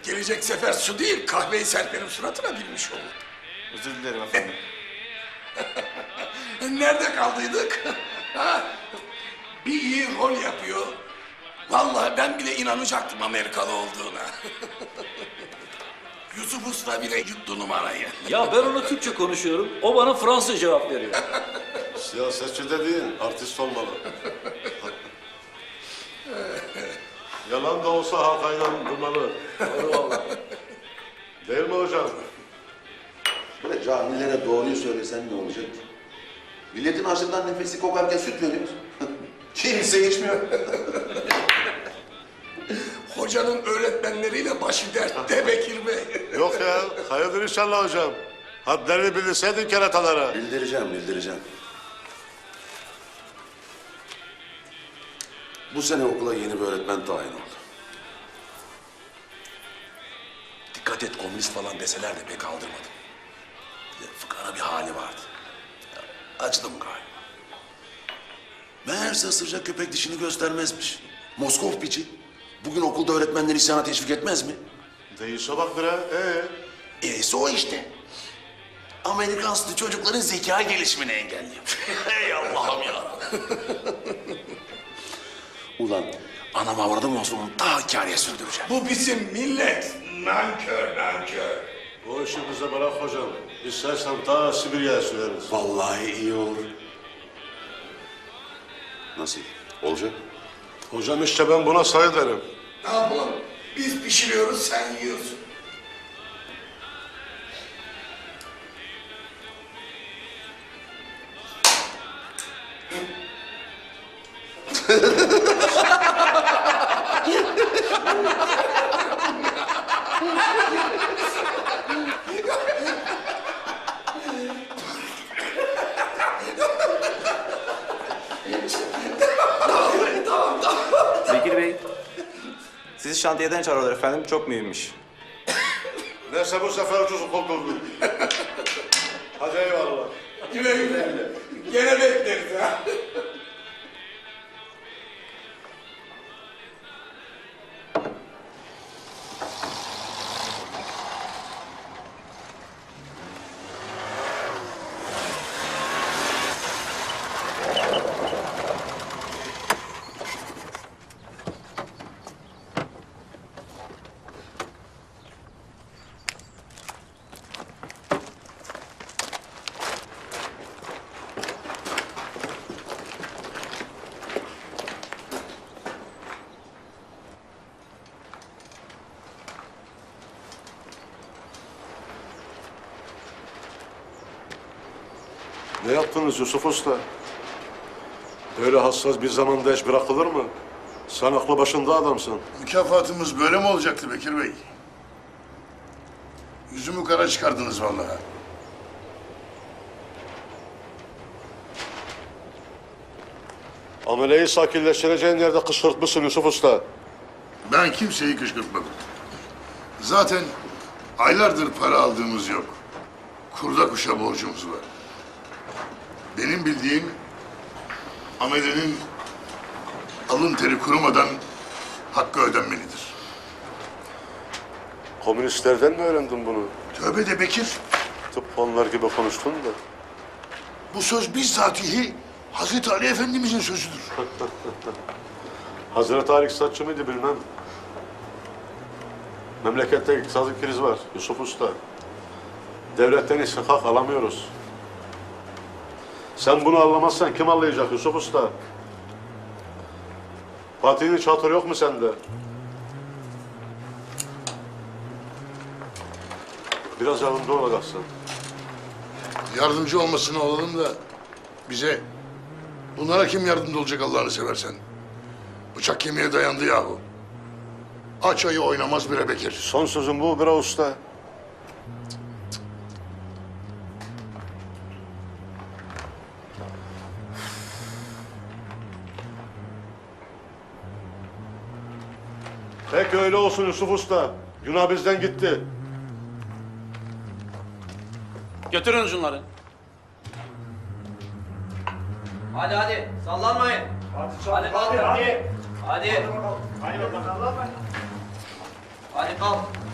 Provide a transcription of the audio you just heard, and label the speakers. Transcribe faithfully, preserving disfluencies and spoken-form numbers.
Speaker 1: Gelecek sefer su değil, kahveyi serperim suratına bilmiş olur.
Speaker 2: Özür dilerim efendim.
Speaker 1: Nerede kaldıydık? Ha? Bir iyi rol yapıyor. Vallahi ben bile inanacaktım Amerikalı olduğuna. Yusuf Usta bile yuttu numarayı.
Speaker 3: Ya ben ona Türkçe konuşuyorum, o bana Fransız cevap veriyor.
Speaker 4: Siyasetçi dediğin artist olmalı. Yalan da olsa halkayla durmalı.
Speaker 3: Doğru vallahi.
Speaker 4: Değil mi hocam?
Speaker 5: Böyle cahillere doğruyu söylesen ne olacak? Milletin ağzından nefesi kokarken süt veriyoruz. Kimse içmiyor.
Speaker 1: Hocanın öğretmenleriyle başı dertte Bekir Bey.
Speaker 4: Yok ya, hayırdır inşallah hocam. Hadlerini bildirseydin keratalara.
Speaker 5: Bildireceğim, bildireceğim. Bu sene okula yeni bir öğretmen tayin oldu. Dikkat et, komünist falan deseler de pek aldırmadım. Bir de fıkara bir hali vardı. Ya, acıdım galiba. Meğerse ısıracak köpek dişini göstermezmiş. Moskov piçi. Bugün okulda öğretmenler isyana teşvik etmez mi?
Speaker 4: Değişe bak bre, ee?
Speaker 5: E'si o işte. Amerikan sütü çocukların zeka gelişimini engelliyor. Ey Allah'ım ya. Ulan anam avradım olsun onu daha kârıya sürdüreceğim.
Speaker 1: Bu bizim millet. Nankör, nankör.
Speaker 4: O işi bize bırak hocam. İstersen ta Sibirya'ya süreriz.
Speaker 5: Vallahi iyi olur. Nasıl? Olacak?
Speaker 4: Hocam işte ben buna sayı derim.
Speaker 1: Ne yapalım? Biz pişiriyoruz, sen yiyorsun.
Speaker 2: Bekir Bey, sizi şantiyeden çağırıyorlar efendim. Çok mühimmiş.
Speaker 4: Neyse bu sefer ucuz kurtulduk. Hadi eyvallah.
Speaker 1: Güle güle. Gene bekleriz ha.
Speaker 4: Ne yaptınız Yusuf Usta? Böyle hassas bir zamanda iş bırakılır mı? Sen aklı başında adamsın.
Speaker 6: Mükafatımız böyle mi olacaktı Bekir Bey? Yüzümü kara çıkardınız vallahi.
Speaker 4: Ameleyi sakinleştireceğin yerde kışkırtmışsın Yusuf Usta.
Speaker 6: Ben kimseyi kışkırtmadım. Zaten aylardır para aldığımız yok. Kurda kuşa borcumuz var. Benim bildiğim amelenin alın teri kurumadan hakkı ödenmelidir.
Speaker 4: Komünistlerden mi öğrendin bunu?
Speaker 6: Tövbe de Bekir,
Speaker 4: Tıpkı onlar gibi konuştun da.
Speaker 6: bu söz bizzatihi Hazreti Ali Efendimizin sözüdür.
Speaker 4: Hazreti Ali iktisatçı mıydı bilmem. Memlekette iktisadi kriz var Yusuf Usta. Devletten istihkak alamıyoruz. Sen bunu anlamazsan kim anlayacak Yusuf Usta? Fatih'in hiç hatırı yok mu sende? Biraz yardımcı olacaksın.
Speaker 6: Yardımcı olmasına olalım da bize, bunlara kim yardımcı olacak Allah'ını seversen? Bıçak kemiğe dayandı yahu. Aç ayı oynamaz bire Bekir.
Speaker 4: Son sözüm bu Bira Usta. Peki öyle olsun Yusuf Usta. Günah bizden gitti.
Speaker 3: Götürün şunları.
Speaker 7: Hadi hadi sallanmayın. Hadi hadi hadi. Hadi. Hadi. Hadi kalk.